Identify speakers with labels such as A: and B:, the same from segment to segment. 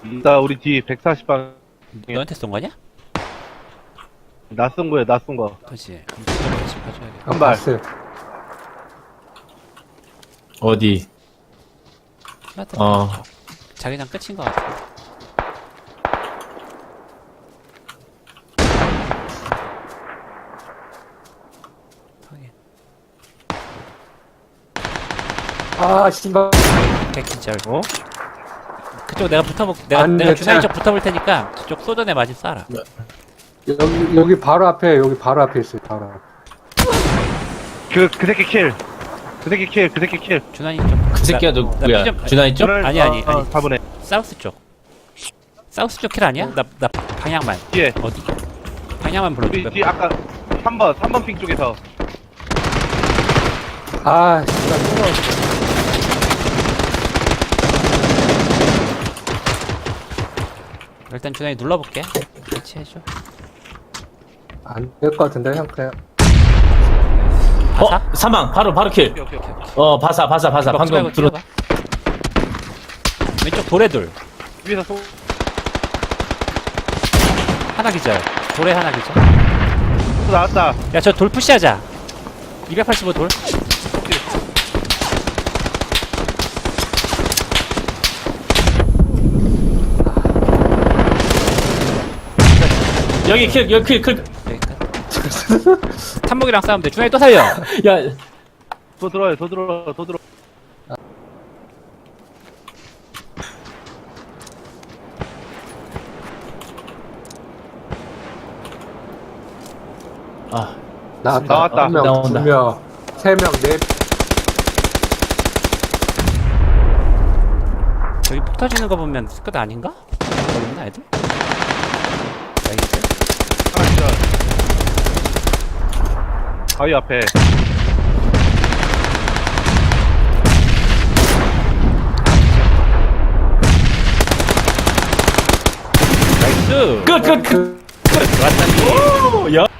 A: 나 우리 뒤 140방
B: 너한테 쏜 거냐?
A: 낯선 거야, 낯선 거.
B: 그렇지. 그럼 그쪽으로 같이 봐줘야겠다.
A: 한 발.
C: 봤어요.
D: 어디?
B: 맞다.
D: 어.
B: 자기장 끝인 것 같아. 확인.
C: 아, 신발.
B: 백기절.
A: 어?
B: 그쪽 내가 붙어볼,
C: 안
B: 내가
C: 돼,
B: 주사위
C: 차.
B: 쪽 붙어볼 테니까 그쪽 소전에 맞이 쏴라.
C: 여기 바로 앞에, 여기 바로 앞에 있어요, 바로 앞에.
A: 그 새끼 킬. 그 새끼 킬, 그 새끼 킬.
B: 준환이 쪽.
D: 그 새끼가 누구야? 준하이 쪽?
A: 저를-
B: 아니, 아니.
A: 4분에.
B: 사우스 쪽. 사우스 쪽 킬 아니야? 나 방향만.
A: 뒤에.
B: 어디? 방향만
A: 우리
B: 불러줘.
A: 뒤 아까 3번 핑 쪽에서.
C: 아, 신발 또 나왔어.
B: 일단 준환이 눌러볼게. 같이 해줘.
C: 안될 것 같은데, 형, 그냥.
B: 바사?
D: 사망. 바로 킬.
A: 오케이, 오케이, 오케이.
D: 바사. 방금 들어.
B: 봐. 왼쪽 돌에 둘.
A: 위에서 소,
B: 하나 기절. 돌에 하나 기절.
A: 소 나왔다.
B: 야, 저 돌 푸시하자. 285 돌.
D: 여기 킬.
B: 여기까지. 탐목이랑 싸우면 돼. 준환이 또 살려.
D: 야,
A: 더 들어요, 더 들어, 더 들어.
D: 아,
A: 나왔다.
C: 한 명,
D: 나온다.
C: 두 명, 세 명, 네.
B: 저기 폭 터지는 거 보면 스쿼드 아닌가? 거기 있나 애들? 나이스.
A: 하나 기절. 바위 앞에.
B: 나이스.
D: 끝. 오, 야.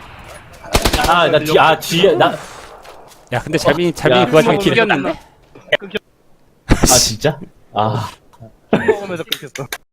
D: 뒤에 나.
B: 야, 근데 잘민이
D: 야,
B: 그 와중에
A: 끊겨.
B: 킬이었는데?
A: 끊겨.
D: 아, 진짜? 아.
A: 먹으면서 끊겼어.